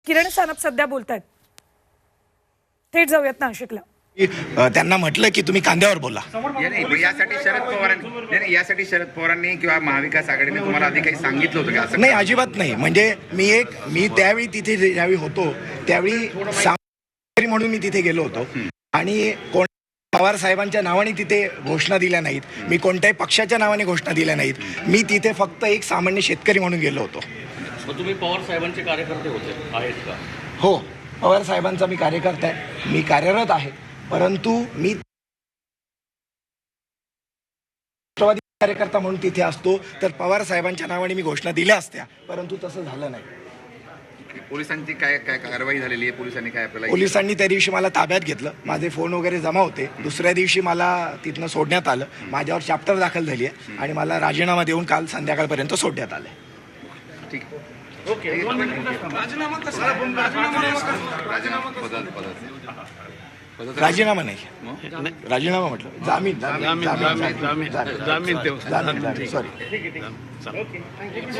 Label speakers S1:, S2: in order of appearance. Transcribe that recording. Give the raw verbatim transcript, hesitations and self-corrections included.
S1: किरण सानप सध्या बोलतायत. थेट जाऊयात नाशिकला.
S2: अ, त्यांना म्हटलं की तुम्ही कांद्यावर बोला.
S3: या नाही, पण यासाठी शरद पवारांनी नाही, नाही, यासाठी शरद पवारांनी किंवा महाविकास आघाडीने तुम्हाला आधी काही सांगितलं होतं का असं?
S2: नाही, अजिबात नाही. म्हणजे मी एक मी त्यावेळी तिथे जे- ज्यावेळी होतो त्यावेळी सामंतरी म्हणून मी तिथे गेलो होतो आणि कोण पवार साहेबांच्या नावाने तिथे घोषणा दिल्या नाहीत. मी कोणत्याही पक्षाच्या नावाने घोषणा दिल्या नाहीत. मी तिथे फक्त एक सामान्य शेतकरी म्हणून गेलो होतो.
S4: मग तुम्ही पवार साहेबांचे कार्यकर्ते होते आहेत का?
S2: हो, पवार साहेबांचा मी कार्यकर्ता आहे, मी कार्यरत आहे. परंतु मी राष्ट्रवादी कार्यकर्ता म्हणून तिथे असतो तर पवार साहेबांच्या नावाने मी घोषणा दिल्या असत्या, परंतु तसं झालं नाही.
S3: पोलिसांची काय काय कारवाई झालेली आहे? पोलिसांनी काय आपल्याला
S2: पोलिसांनी त्या दिवशी मला ताब्यात घेतलं. माझे फोन वगैरे जमा होते. दुसऱ्या दिवशी मला तिथनं सोडण्यात आलं. माझ्यावर चॅप्टर दाखल झाली आहे आणि मला राजीनामा देऊन काल संध्याकाळपर्यंत सोडण्यात आलं.
S3: ठीक आहे.
S5: राजीनामा कसा राजीनामा
S2: राजीनामा नाही, राजीनामा म्हटलं जामीन जामीन जामीन जामीन जामीन सॉरी.